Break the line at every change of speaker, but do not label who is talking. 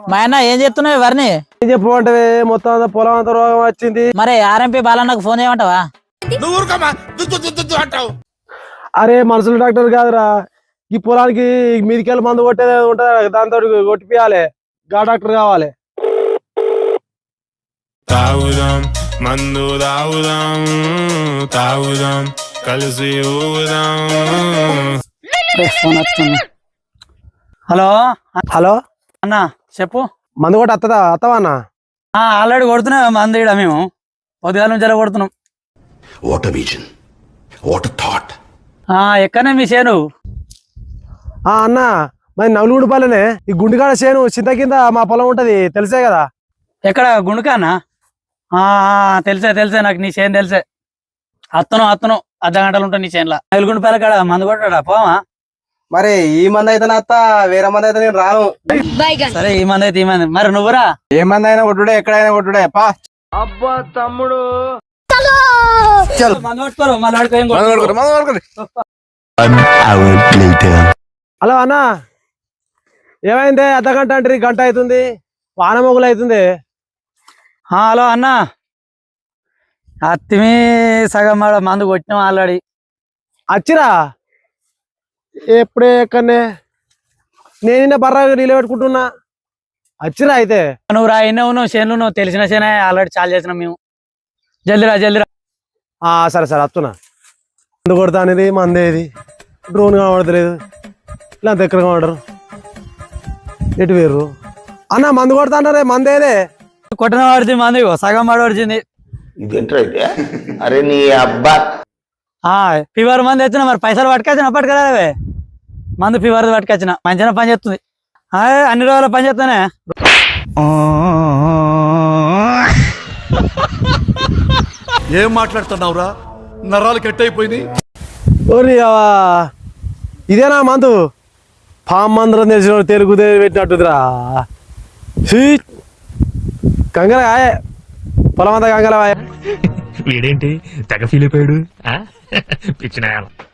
మా అన్న ఏం చెప్తున్నావు ఎవరిని
ఏం చెప్పమంటే మొత్తం పొలం అంతా రోగం వచ్చింది.
మరి ఆర్ఎంపీ బాలన్నకు ఫోన్ చేయమంటావా?
అరే మనుషులు డాక్టర్ కాదురా, ఈ పొలానికి మీదికెళ్ళి మందు కొట్టేది ఉంటది, దాంతో కొట్టిపియాలి. గా డాక్టర్ కావాలి.
తాగుదాం మందు తాగుదాం తాగుదాం కలిసి ఊగుదాం.
హలో
హలో
అన్న చెప్పు.
మందు కొట్టి అత్తవా అన్న?
ఆల్రెడీ కొడుతున్నాం మంది ఇక్కడ మేము పొద్దుగాల నుంచి ఎలా కొడుతున్నాం.
What a vision. What a thought.
ఎక్కడనే మీ చేను?
అన్న మరి నవలుగుడిపాలనే ఈ గుండెకాడ చేను చింత కింద మా పొలం ఉంటది, తెలిసే కదా.
ఎక్కడ గుండుకానా? తెలిసే నాకు నీ చేను తెలిసే. అత్తను అర్ధ గంటలు ఉంటా నీ చేనులా. నలుగుండిపాల కాడ మందు కొట్టాడా పోవా?
మరి ఈ మంది అయితే అత్త, వేరే మంది అయితే నేను రాను.
సరే ఈ మంది అయితే ఈ మంది. మరి నువ్వురా?
ఏ మంది అయినా కొట్టుడే, ఎక్కడైనా కొట్టుడే పా. అబ్బా తమ్ముడు
మందు కొట్టుకోరు మళ్ళీ.
హలో అన్న, ఏమైంది? అర్ధ గంట అంటే గంట అవుతుంది, వాన మొగులు అవుతుంది.
హలో అన్న, అత్తిమి సగం మందు కొట్టినాం ఆల్రెడీ.
వచ్చిరా? ఎప్పుడే ఎక్కడనే నేను బర్రా నీళ్ళు పెట్టుకుంటున్నా. వచ్చిరా అయితే?
నువ్వు రా, ఎన్నో చేనులు నువ్వు తెలిసిన చేనే ఆల్రెడీ చాలు చేసినాం మేము. జల్దిరా.
సరే వస్తున్నా. మందు కొడతా అనేది మందేది, డ్రోన్ కనబడతలేదు, ఇలా దగ్గర కనబడరు. ఎటు వేరు అన్న? మందు కొడతా అన్నారే, మందేదే?
కొట్టిన పడుతుంది మంది, సగం పడిచింది.
ఇదేంటైతే అరే నీ అబ్బా
ఫీవర్ మంది వచ్చిన మరి పైసలు పట్టుకొచ్చిన పట్టుకరావే. మందు ఫీవర్ పట్టుకొచ్చిన మంచిగా పని చేస్తుంది. అన్ని రోజుల పని చేస్తానే.
ఏం మాట్లాడుతున్నావురా? నరాలు కట్ అయిపోయింది.
ఇదేనా మందు? పాము మందురం తెలిసిన తెలుగు పెట్టినట్టుదిరా. కంగలకాయ పొలం అంతా కంగలకాయ.
వీడేంటి తెగ ఫీల్ అయిపోయాడు పిచ్చిన